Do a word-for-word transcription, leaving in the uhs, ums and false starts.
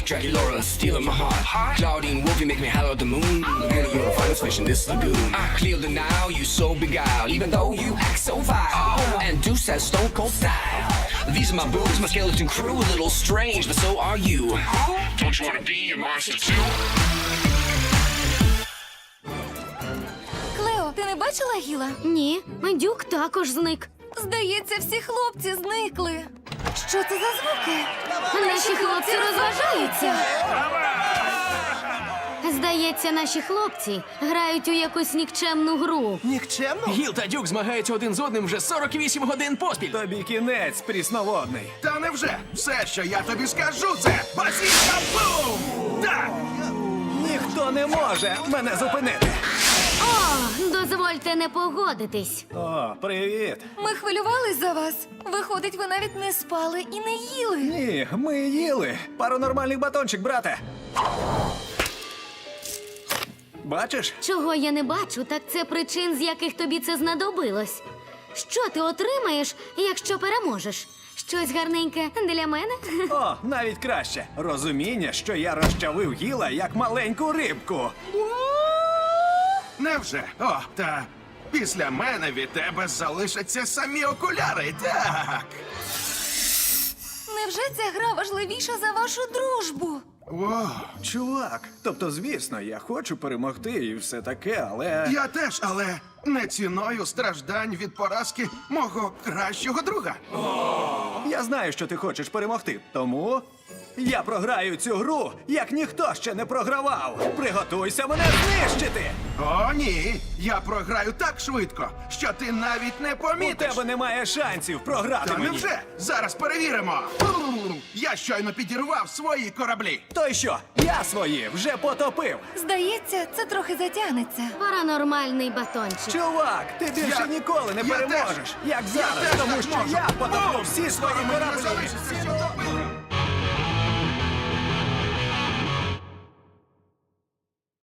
Dracula stealing my heart. Claudine Wolf, you make me holler at the moon. Girl, you're the finest fish in this lagoon. I clear the Nile, you so beguiled, even though you act so vile. And Deuce has stone cold style. These are my boobs, my skeleton crew, a little strange, but so are you. Don't you wanna be a monster too? Клео, ти не бачила Гіла? Ні, Дюк також зник. Здається, всі хлопці зникли. Що це за звуки? Наші хлопці розважаються. Здається, наші хлопці грають у якусь нікчемну гру. Нікчемно? Гіл та Дюк змагаються один з одним вже сорок вісім годин поспіль. Тобі кінець, прісноводний. Та невже? Все, що я тобі скажу, це базіка бум! Так! Ніхто не може мене зупинити. О, дозвольте не погодитись. О, привіт. Ми хвилювались за вас. Виходить, ви навіть не спали і не їли. Ні, ми їли. Паранормальний батончик, брате. Бачиш? Чого я не бачу, так це причин, з яких тобі це знадобилось. Що ти отримаєш, якщо переможеш? Щось гарненьке для мене? О, навіть краще. Розуміння, що я розчавив Гіла як маленьку рибку. Невже? О, та після мене від тебе залишаться самі окуляри, так. Невже ця гра важливіша за вашу дружбу? О, Чувак, тобто, звісно, я хочу перемогти і все таке, але... я теж, але не ціною страждань від поразки мого кращого друга. Я знаю, що ти хочеш перемогти, тому я програю цю гру, як ніхто ще не програвав. Приготуйся мене знищити! О, ні, я програю так швидко, що ти навіть не У помітиш. тебе немає шансів програти Та мені. невже? Зараз перевіримо. Я щойно підірвав свої кораблі. То й що? Я свої вже потопив. Здається, це трохи затягнеться. Паранормальний батончик. Чувак, ти більше Я- ніколи не я переможеш, теж. як Я зараз, теж тому так що можу. я потоплю всі свої Скоро мене кораблі. залишиться тільки топити.